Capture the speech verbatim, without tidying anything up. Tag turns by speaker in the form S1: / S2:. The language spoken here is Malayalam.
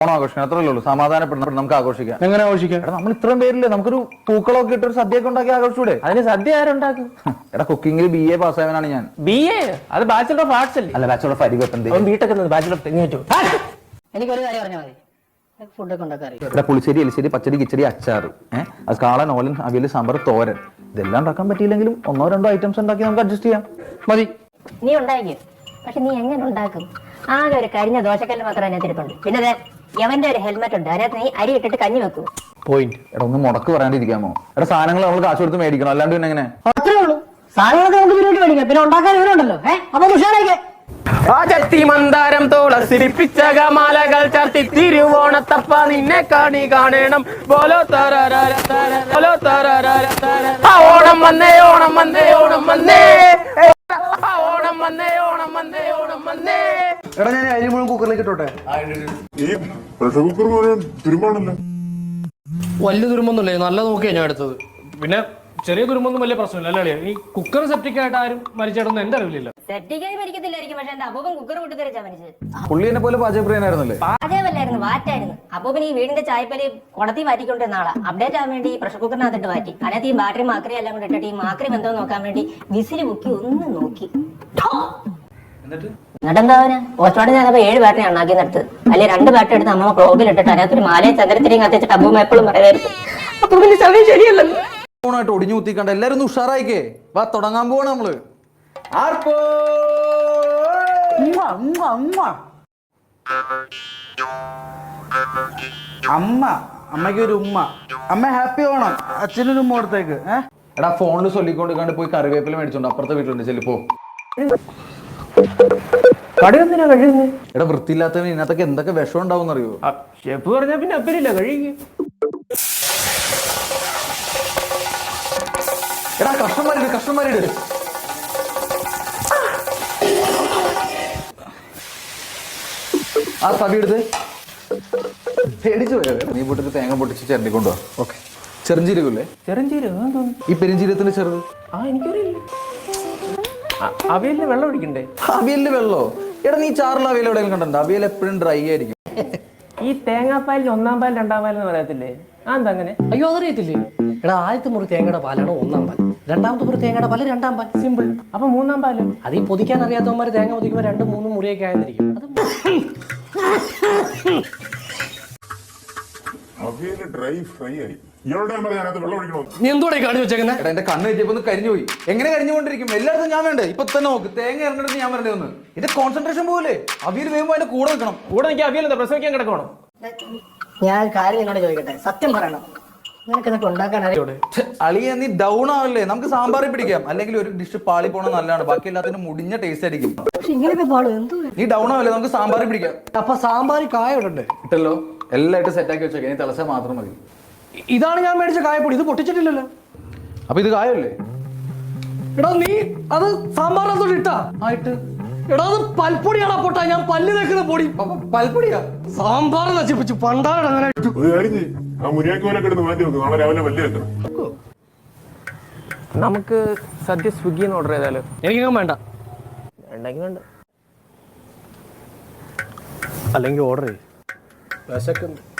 S1: ഓണാഘോഷിക്കണം അത്രയല്ലേ ഉള്ളൂ. സമാധാനപ്പെടുന്ന നമുക്ക് ആഘോഷിക്കാം.
S2: എങ്ങനെ ആഘോഷിക്കാം?
S1: എടാ നമ്മൾ ഇത്രയും പേരില്ലേ, നമുക്കൊരു പൂക്കളൊക്കെ ഇട്ടൊരു സദ്യയൊക്കെ ഉണ്ടാക്കി ആഘോഷിച്ചൂടെ?
S2: അതിന് സദ്യ ആരുണ്ടാക്കും?
S1: എടാ കുക്കിംഗിൽ ബി എ പാസ്സായവനാണ് ഞാൻ.
S2: ബി എ അത് ബാച്ചലർ ഓഫ് ആർട്സ് അല്ലേ?
S1: അല്ല ബാച്ചലർ ഓഫ് അരിവെപ്പൻ.
S2: വീട്ടൊക്കെ ബാച്ചലർ ഓഫ്
S3: എനിക്ക് ഒരു കാര്യം പറഞ്ഞാൽ മതി, ഫുഡൊക്കെ ഉണ്ടാക്കാൻ അറിയാം.
S1: ഇവിടെ പുളിശ്ശേരി, എലിശ്ശേരി, പച്ചടി, കിച്ചടി, അച്ചാറ്, ഏഹ് അത് കാളൻ, ഓലൻ, അവിയൽ, സാമ്പാർ, തോരൻ, ഇതെല്ലാം ഉണ്ടാക്കാൻ പറ്റിയില്ലെങ്കിലും ഒന്നോ രണ്ടോ ഐറ്റംസ് ഉണ്ടാക്കി നമുക്ക് അഡ്ജസ്റ്റ് ചെയ്യാം. മതി.
S3: നീ ഉണ്ടാക്കും, പക്ഷെ നീ എങ്ങനെ ഉണ്ടാക്കും? ആകെ ഒരു കരിഞ്ഞ ദോശക്കല്ല് മാത്രം അതിനകത്ത് ഇരിപ്പുണ്ട്. പിന്നെ അതെ യവന്റെ ഒരു ഹെൽമെറ്റ് ഉണ്ട്, അതിനകത്ത് നീ അരി ഇട്ടിട്ട് കഞ്ഞി വെക്കൂ.
S1: പോയിന്റ്. എടാ ഒന്ന് മുടക്ക് പറയാണ്ടിരിക്കാമോ? എടാ സാധനങ്ങൾ നമ്മൾ കാശ് കൊടുത്ത് മേടിക്കണം, അല്ലാണ്ട് പിന്നെ എങ്ങനെ?
S3: അത്രേ ഉള്ളൂ. സാധനങ്ങളൊക്കെ നമുക്ക് പിന്നോട്ട് മേടിക്കാം, പിന്നെ ഉണ്ടാക്കാൻ ഇവരുണ്ടല്ലോ. ഏഹ് അപ്പൊ ഉഷാറായിക്കേ.
S2: മന്ദാരം തോളസിരിപ്പിച്ച മാലകൾ ചർത്തി തിരുവോണത്തപ്പ നിന്നെ കാണി കാണണം. ബോലോ തരരര തരര ബോലോ തരരര തരര ഓണം വന്നേ ഓണം വന്നേ ഓണം വന്നേ ഓണം വന്നേ ഓണം വന്നേ ഓണം വന്നേ.
S1: എടാ ഞാൻ അരി മുഴുവൻ കുക്കറിലേക്ക് ഇട്ടോട്ടെ.
S4: ഈ പ്രഷർ കുക്കർ തുരുമ്പാണല്ലോ.
S2: വലിയ തുരുമ്പൊന്നുമില്ലേ, നല്ല നോക്കിയാ ഞാൻ എടുത്തത്. പിന്നെ ചെറിയ തുരുമ്പൊന്നും വലിയ പ്രശ്നമില്ല അല്ലേ? ഈ കുക്കർ സെപ്റ്റിക് ആയിട്ട് ആരും മരിച്ചിടൊന്നും എന്റെ അറിവില്ല.
S3: സെപ്റ്റിക്കായി മരിക്കത്തില്ലായിരിക്കും, പക്ഷെ എന്റെ അപ്പൂപ്പൻ കുക്കർ പൊട്ടിത്തെറിച്ചാ മരിച്ചത്.
S1: പുള്ളി എന്നെ പോലെ പാചകപ്രിയനായിരുന്നല്ലേ?
S3: പാചകമല്ലായിരുന്നു, വാറ്റായിരുന്നു. അപ്പൂപ്പൻ ഈ വീടിന്റെ ചായപ്പലി കുടത്തി വാറ്റിക്കൊണ്ടിരുന്ന ആളാ. അപ്ഡേറ്റ് ആവാൻ വേണ്ടി പ്രഷർ കുക്കറിനകത്തിട്ട് വാറ്റി. അതിനകത്ത് ഈ ബാറ്ററി മാക്രി എല്ലാം കൂടെ ഇട്ടിട്ട് ഈ മാക്രി ബന്ധം നോക്കാൻ വേണ്ടി വിസിൽ മുക്കി ഒന്ന് നോക്കി. എന്നിട്ടെന്താ പോസ്റ്റ്മോർട്ടം ഞാനപ്പോ ഏഴ് ബാറ്ററി ഉണ്ടാക്കി നിർത്ത്. അല്ലെ രണ്ട് ബാറ്ററി എടുത്ത് അമ്മ ക്ലോബിൽ ഇട്ടിട്ട് അതിനകത്തൊരു മാലയും ചന്ദ്രത്തിരിയും കത്തിച്ചിട്ട് അമ്മൂമ്മ എപ്പോഴും പറയുമായിരുന്നു അപ്പൂപ്പിന്റെ സമയം ശരിയല്ലല്ലോ.
S1: ായിട്ട് ഒടിഞ്ഞു കുത്തിക്കണ്ട, എല്ലാരും ഒന്ന് ഉഷാറായിക്കേ. വാ തുടങ്ങാൻ പോവാണ് നമ്മള്.
S5: അമ്മ അമ്മയ്ക്ക് ഒരു ഉമ്മ. അമ്മ ഹാപ്പി ഓണം. അച്ഛനൊരു ഉമ്മ കൊടുത്തേക്ക്. ഏഹ്
S1: എടാ ഫോണിൽ ചൊല്ലിക്കൊണ്ടിരിക്കാണ്ട് പോയി കറിവേപ്പില മേടിച്ചോണ്ട് അപ്പുറത്തെ വീട്ടിലുണ്ട്, ചെല്ലിപ്പോ.
S2: കടയൊന്നിനാ കഴിയുന്നത്?
S1: എടാ വൃത്തിയില്ലാത്തവന് ഇതിനകത്തൊക്കെ എന്തൊക്കെ വിഷം ഉണ്ടാവും അറിയോ?
S2: ഷെഫ് പറഞ്ഞാ പിന്നെ അപ്പരില്ല കഴിയുക.
S1: എടാ കഷ്ണന്മാരിട് കഷ്ണന്മാരിട്. ആ തവി എടുത്ത് പേടിച്ചു പോയാ. നീ പൊട്ടിട്ട് തേങ്ങ പൊട്ടിച്ച് ചിരണ്ടിക്കൊണ്ടുവാ. ഓക്കെ. ചെറുംജീരകല്ലേ?
S2: ചെറുംജീരകം തോന്നുന്നു.
S1: ഈ പെരുംജീരകത്തിന്റെ ചെറുത്.
S2: ആ എനിക്കറിയില്ല. അവിയലിന് വെള്ളം ഒഴിക്കണ്ടേ?
S1: അവിയലിന് വെള്ളോ? എടാ നീ ചാറിൽ അവിയൽ എവിടെയെങ്കിലും കണ്ടോ? അവിയൽ എപ്പോഴും ഡ്രൈ ആയിരിക്കും.
S2: ഈ തേങ്ങാപ്പാലിൽ ഒന്നാം പാൽ രണ്ടാം പാൽ എന്ന് പറയത്തില്ലേ, ആ എന്താ അങ്ങനെ?
S6: അയ്യോ അതറിയത്തില്ലേ? എടാ ആദ്യത്തെ മുറി തേങ്ങയുടെ പാലാണ് ഒന്നാം പാൽ, രണ്ടാമത്തെ മുറി തേങ്ങയുടെ പാല് രണ്ടാം പാൽ.
S2: സിമ്പിൾ. അപ്പൊ മൂന്നാം പാല്?
S6: അത് ഈ പൊതിക്കാൻ അറിയാത്തവന്മാർ തേങ്ങ പൊതിക്കുമ്പോൾ രണ്ടും മൂന്നും മുറിയൊക്കെ ആയിരിക്കും. അത്
S4: അവിയല് ഡ്രൈ ഫ്രൈ ആയി. ഇയാളുടെ വെള്ളം ഒഴിക്കണോ?
S6: നീ എന്തോടെ കാണിച്ചു വെച്ചേക്കുന്നത്?
S1: എടാ എന്റെ കണ്ണ് തെറ്റിയപ്പോ ഒന്ന് കരിഞ്ഞു പോയി. എങ്ങനെ കരിഞ്ഞുകൊണ്ടിരിക്കും? എല്ലായിടത്തും ഞാൻ വേണ്ടേ? ഇപ്പൊ തന്നെ നോക്ക്, തേങ്ങ ഇറങ്ങിട്ട് ഞാൻ വരണ്ടേ ഒന്ന്. ഇത് കോൺസെൻട്രേഷൻ പോലെ. അവിയൽ വേകുമ്പോ അതിന്റെ കൂടെ നിൽക്കണം.
S2: കൂടെ എനിക്ക് അവിയൽ എന്താ പ്രസവിക്കാൻ കിടക്കണം?
S3: ഞാൻ കാര്യം എന്നോട് ചോദിക്കട്ടെ, സത്യം പറയണം, നിനക്ക് ഇതൊക്കെ ഉണ്ടാക്കാൻ അറിയോ?
S1: അളിയ നീ ഡൗൺ ആവല്ലേ? നമുക്ക് സാമ്പാറിൽ പിടിക്കാം, അല്ലെങ്കിൽ ഒരു ഡിഷ് പാളി പോണ നല്ലതാണ്. ബാക്കി എല്ലാത്തിനും മുടിഞ്ഞ ടേസ്റ്റ് ആയിരിക്കും.
S3: പക്ഷെ ഇങ്ങനെയൊക്കെ പാടും എന്തോ.
S1: നീ ഡൗൺ ആവല്ലേ? നമുക്ക് സാമ്പാറിൽ പിടിക്കാം.
S6: അപ്പൊ സാമ്പാർ കായ ഇടണ്ടേ?
S1: ഇട്ടല്ലോ, എല്ലായിട്ട് സെറ്റ് ആക്കി വെച്ചേക്കാം. ഇനി തിളച്ചാൽ മാത്രം മതി.
S6: ഇതാണ് ഞാൻ മേടിച്ച കായപ്പൊടി, ഇത് പൊട്ടിച്ചിട്ടില്ലല്ലോ.
S1: അപ്പൊ ഇത് കായല്ലേ?
S6: എടാ നീ അത് സാമ്പാറിനകത്തോട്ട് ഇട്ടാ
S1: ആയിട്ട്.
S6: എടാ അത് പൽപ്പൊടിയാണോ പൊട്ടാ? ഞാൻ പല്ല് വെക്കുന്ന പൊടി.
S1: പൽപ്പൊടിയാ?
S6: സാമ്പാർ നശിപ്പിച്ചു പണ്ടാണ് അങ്ങനെ.
S4: ഒരു കാര്യം ചെയ്യ്, ആ മുരിയാക്കി പോലെ കിടന്ന് മാറ്റി വെക്കും. നാളെ രാവിലെ വലിയ വെക്കണം.
S2: നമുക്ക് സദ്യ സ്വിഗ്ഗിന്ന് ഓർഡർ ചെയ്താലോ?
S6: എനിക്കങ്ങനെ വേണ്ട.
S2: വേണ്ടെങ്കിൽ വേണ്ട.
S6: അല്ലെങ്കിൽ ഓർഡർ ചെയ്യും. വിശക്കുന്നു.